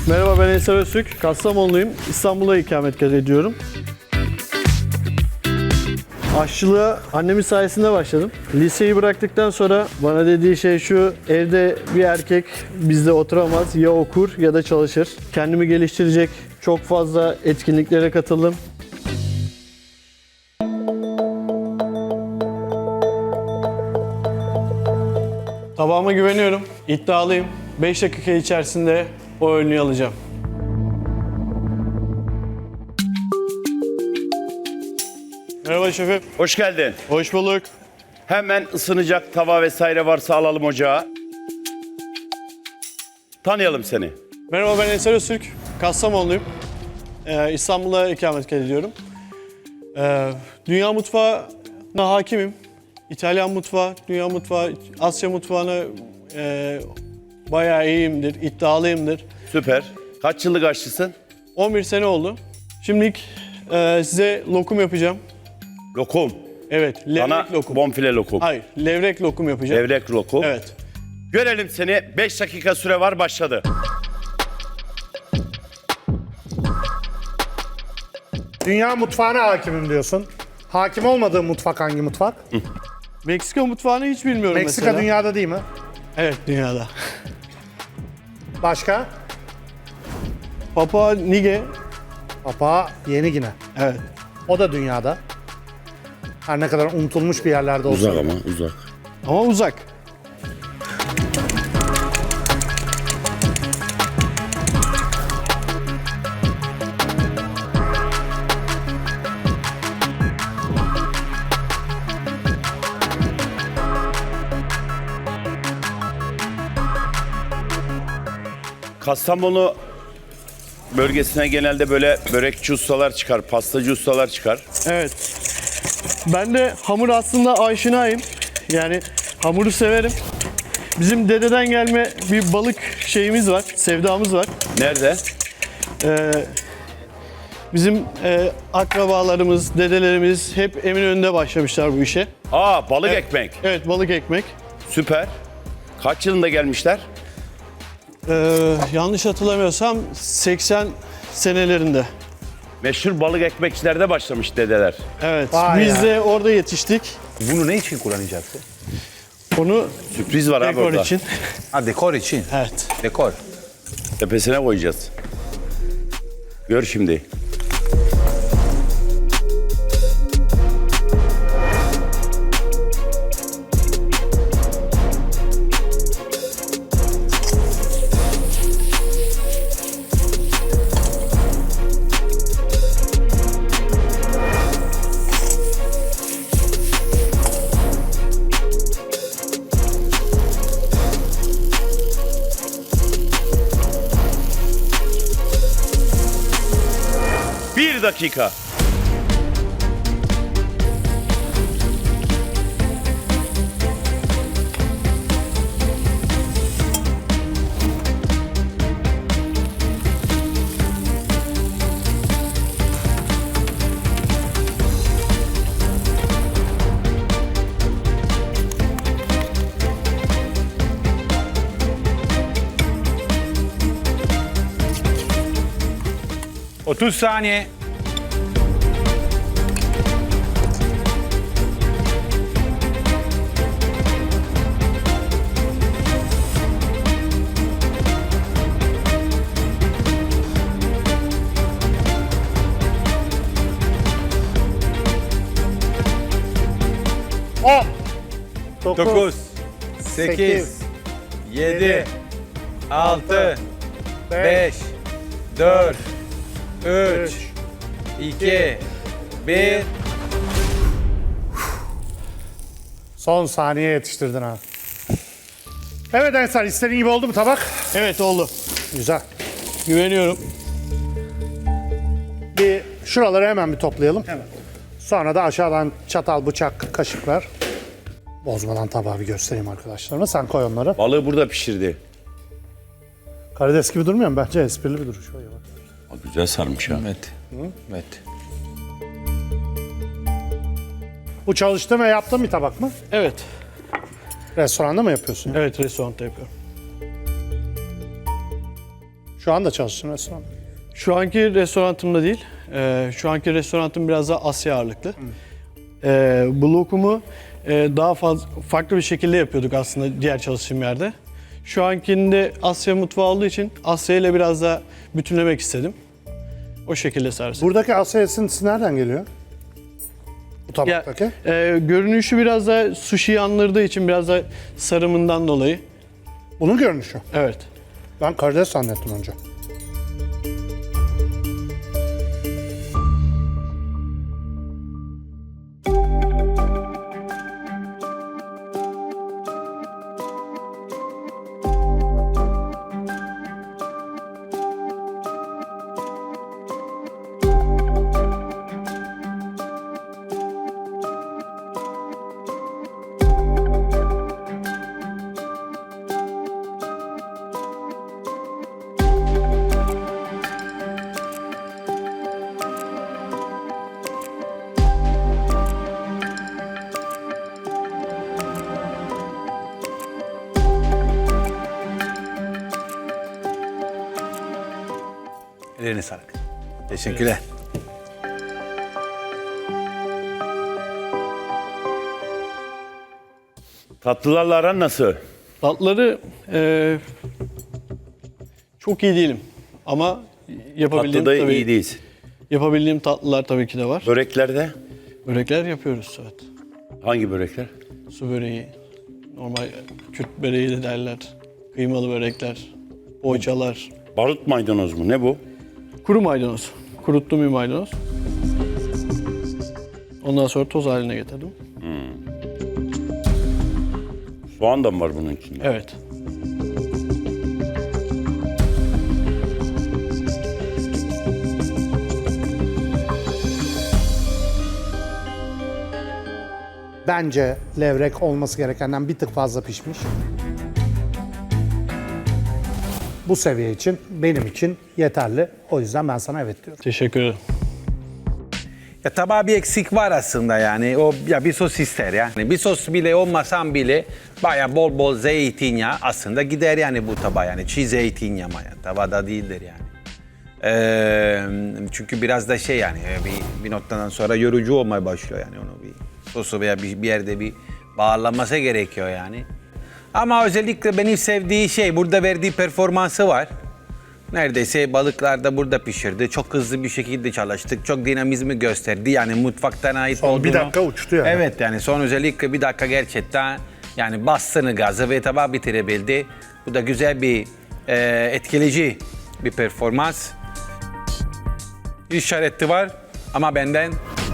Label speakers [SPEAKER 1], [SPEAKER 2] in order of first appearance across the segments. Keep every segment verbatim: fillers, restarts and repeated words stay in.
[SPEAKER 1] Merhaba, ben Ensar Öztürk. Kastamonluyum. İstanbul'da ikamet ediyorum. Aşçılığa annemin sayesinde başladım. Liseyi bıraktıktan sonra bana dediği şey şu: evde bir erkek bizde oturamaz, ya okur ya da çalışır. Kendimi geliştirecek çok fazla etkinliklere katıldım. Tabağıma güveniyorum, iddialıyım. beş dakika içerisinde o önlüğü alacağım. Merhaba şefim.
[SPEAKER 2] Hoş geldin.
[SPEAKER 1] Hoş bulduk.
[SPEAKER 2] Hemen ısınacak tava vesaire varsa alalım ocağa. Tanıyalım seni.
[SPEAKER 1] Merhaba, ben Ensar Öztürk. Kastamonluyum. Ee, İstanbul'da ikamet ediyorum. Ee, dünya mutfağına hakimim. İtalyan mutfağı, dünya mutfağı, Asya mutfağına e, bayağı iyiyimdir, iddialıyımdır.
[SPEAKER 2] Süper. Kaç yıllık aşçısın?
[SPEAKER 1] on bir sene oldu. Şimdilik e, size lokum yapacağım.
[SPEAKER 2] Lokum.
[SPEAKER 1] Evet, levrek
[SPEAKER 2] Bana
[SPEAKER 1] lokum.
[SPEAKER 2] bonfile lokum.
[SPEAKER 1] Hayır, levrek lokum yapacağım.
[SPEAKER 2] Levrek lokum.
[SPEAKER 1] Evet.
[SPEAKER 2] Görelim seni. beş dakika süre var, başladı.
[SPEAKER 3] Dünya mutfağına hakimim diyorsun. Hakim olmadığın mutfak hangi mutfak?
[SPEAKER 1] Meksika mutfağını hiç bilmiyorum
[SPEAKER 3] Meksika
[SPEAKER 1] mesela.
[SPEAKER 3] dünyada değil mi?
[SPEAKER 1] Evet, dünyada.
[SPEAKER 3] Başka?
[SPEAKER 1] Papua Nige.
[SPEAKER 3] Papua Yeni Gine.
[SPEAKER 1] Evet.
[SPEAKER 3] O da dünyada. Her ne kadar unutulmuş bir yerlerde olsa.
[SPEAKER 2] Uzak ama uzak.
[SPEAKER 1] Ama uzak.
[SPEAKER 2] Kastamonu bölgesine genelde böyle börekçi ustalar çıkar, pastacı ustalar çıkar.
[SPEAKER 1] Evet. Ben de hamur aslında aşinayım. Yani hamuru severim. Bizim dededen gelme bir balık şeyimiz var, sevdamız var.
[SPEAKER 2] Nerede?
[SPEAKER 1] Ee, bizim e, akrabalarımız, dedelerimiz hep Eminönü'nde başlamışlar bu işe.
[SPEAKER 2] Aa, balık ekmek.
[SPEAKER 1] Evet, balık ekmek.
[SPEAKER 2] Süper. Kaç yılında gelmişler?
[SPEAKER 1] Ee, yanlış hatırlamıyorsam seksen senelerinde.
[SPEAKER 2] Meşhur balık ekmekçilerde başlamış dedeler.
[SPEAKER 1] Evet,
[SPEAKER 3] Vay
[SPEAKER 1] biz
[SPEAKER 3] ya.
[SPEAKER 1] de orada yetiştik.
[SPEAKER 4] Bunu ne için kullanacaksın?
[SPEAKER 1] Onu
[SPEAKER 2] Sürpriz var abi
[SPEAKER 1] dekor
[SPEAKER 2] orada.
[SPEAKER 1] için.
[SPEAKER 4] Ha, dekor için.
[SPEAKER 1] Evet.
[SPEAKER 4] Dekor.
[SPEAKER 2] Tepesine koyacağız. Gör şimdi. Bir dakika.
[SPEAKER 4] otuz saniye.
[SPEAKER 3] on,
[SPEAKER 4] dokuz, sekiz, yedi, altı, beş, dört, üç, iki, bir.
[SPEAKER 3] Son saniye yetiştirdin ha. Evet Ensar, istediğin gibi oldu mu tabak?
[SPEAKER 1] Evet, oldu.
[SPEAKER 3] Güzel.
[SPEAKER 1] Güveniyorum.
[SPEAKER 3] Bir şuraları hemen bir toplayalım. Hemen. Sonra da aşağıdan çatal, bıçak, kaşık ver. Bozmadan tabağı bir göstereyim arkadaşlarıma. Sen koy onları.
[SPEAKER 2] Balığı burada pişirdi.
[SPEAKER 3] Karides gibi durmuyor mu? Bence esprili bir duruş. Şöyle bak.
[SPEAKER 2] Aa, güzel sarmış ha.
[SPEAKER 4] Evet. Evet.
[SPEAKER 3] Bu çalıştığın ve yaptığın bir tabak mı?
[SPEAKER 1] Evet.
[SPEAKER 3] Restoranda mı yapıyorsun?
[SPEAKER 1] Evet, restoranda yapıyorum.
[SPEAKER 3] Şu anda çalıştığın restoran.
[SPEAKER 1] Şu anki restoranımda değil. Ee, şu anki restoranım biraz daha Asya ağırlıklı. Ee, bu lokumu e, daha fazla farklı bir şekilde yapıyorduk aslında diğer çalıştığım yerde. Şu ankinde Asya mutfağı olduğu için Asya ile biraz daha bütünlemek istedim. O şekilde servis.
[SPEAKER 3] Buradaki Asya esintisi nereden geliyor? Bu
[SPEAKER 1] Ya,
[SPEAKER 3] tabaktaki.
[SPEAKER 1] e, görünüşü biraz da sushi'yi andırdığı için biraz da sarımından dolayı.
[SPEAKER 3] Bunun görünüşü.
[SPEAKER 1] Evet.
[SPEAKER 3] Ben karides zannettim önce.
[SPEAKER 4] Ellerine sağlık. Teşekkürler.
[SPEAKER 2] Tatlılarla aran nasıl?
[SPEAKER 1] Tatları e, çok iyi değilim. Ama yapabildiğim
[SPEAKER 2] Tatlıda
[SPEAKER 1] tabii,
[SPEAKER 2] iyi değilsin.
[SPEAKER 1] yapabildiğim tatlılar tabii ki de var.
[SPEAKER 2] Böreklerde
[SPEAKER 1] Börekler yapıyoruz, evet.
[SPEAKER 2] hangi börekler?
[SPEAKER 1] Su böreği, normal Kürt böreği de derler. Kıymalı börekler, poğaçalar.
[SPEAKER 2] Barut maydanoz mu? Ne bu?
[SPEAKER 1] Kuru maydanoz. Kuruttuğum bir maydanoz. Ondan sonra toz haline getirdim.
[SPEAKER 2] Soğan da mı var bunun içinde?
[SPEAKER 1] Evet.
[SPEAKER 3] Bence levrek olması gerekenden bir tık fazla pişmiş. Bu seviye için, benim için yeterli. O yüzden ben sana evet diyorum.
[SPEAKER 1] Teşekkür ederim.
[SPEAKER 4] Ya tabağa bir eksik var aslında yani. O ya bir sos ister yani. Bir sos bile olmasam bile baya bol bol zeytinyağı aslında gider yani bu tabağa yani. Çiğ zeytinyağı yani. Tavada değildir yani. Ee, çünkü biraz da şey yani bir, bir noktadan sonra yorucu olmaya başlıyor yani onu bir sosu veya bir, bir yerde bir bağlanması gerekiyor yani. Ama özellikle benim sevdiği şey burada verdiği performansı var. Neredeyse balıklar da burada pişirdi. Çok hızlı bir şekilde çalıştık. Çok dinamizmi gösterdi. Yani mutfaktan ait
[SPEAKER 3] Son
[SPEAKER 4] olduğunu.
[SPEAKER 3] bir dakika uçtu yani.
[SPEAKER 4] Evet yani son özellikle bir dakika gerçekten yani bastığını gazı ve tabağı bitirebildi. Bu da güzel bir e, etkileyici bir performans. İşareti var ama benden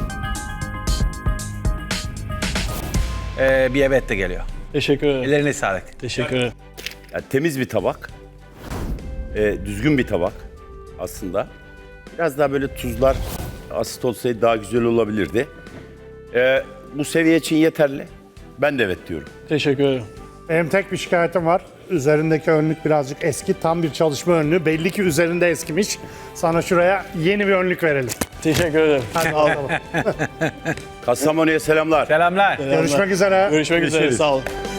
[SPEAKER 4] e, bir evet de geliyor.
[SPEAKER 1] Teşekkür ederim.
[SPEAKER 4] Ellerine sağlık.
[SPEAKER 1] Teşekkür ederim.
[SPEAKER 2] Yani temiz bir tabak. Ee, düzgün bir tabak aslında. Biraz daha böyle tuzlar asit olsaydı daha güzel olabilirdi. Ee, bu seviye için yeterli. Ben de evet diyorum.
[SPEAKER 1] Teşekkür ederim.
[SPEAKER 3] Benim tek bir şikayetim var. Üzerindeki önlük birazcık eski. Tam bir çalışma önlüğü. Belli ki üzerinde eskimiş. Sana şuraya yeni bir önlük verelim.
[SPEAKER 1] Teşekkür ederim.
[SPEAKER 3] Hadi alalım.
[SPEAKER 2] Kastamonu'ya selamlar.
[SPEAKER 4] Selamlar.
[SPEAKER 3] Görüşmek üzere.
[SPEAKER 1] Görüşmek üzere.
[SPEAKER 2] Görüşürüz.
[SPEAKER 1] Sağ olun.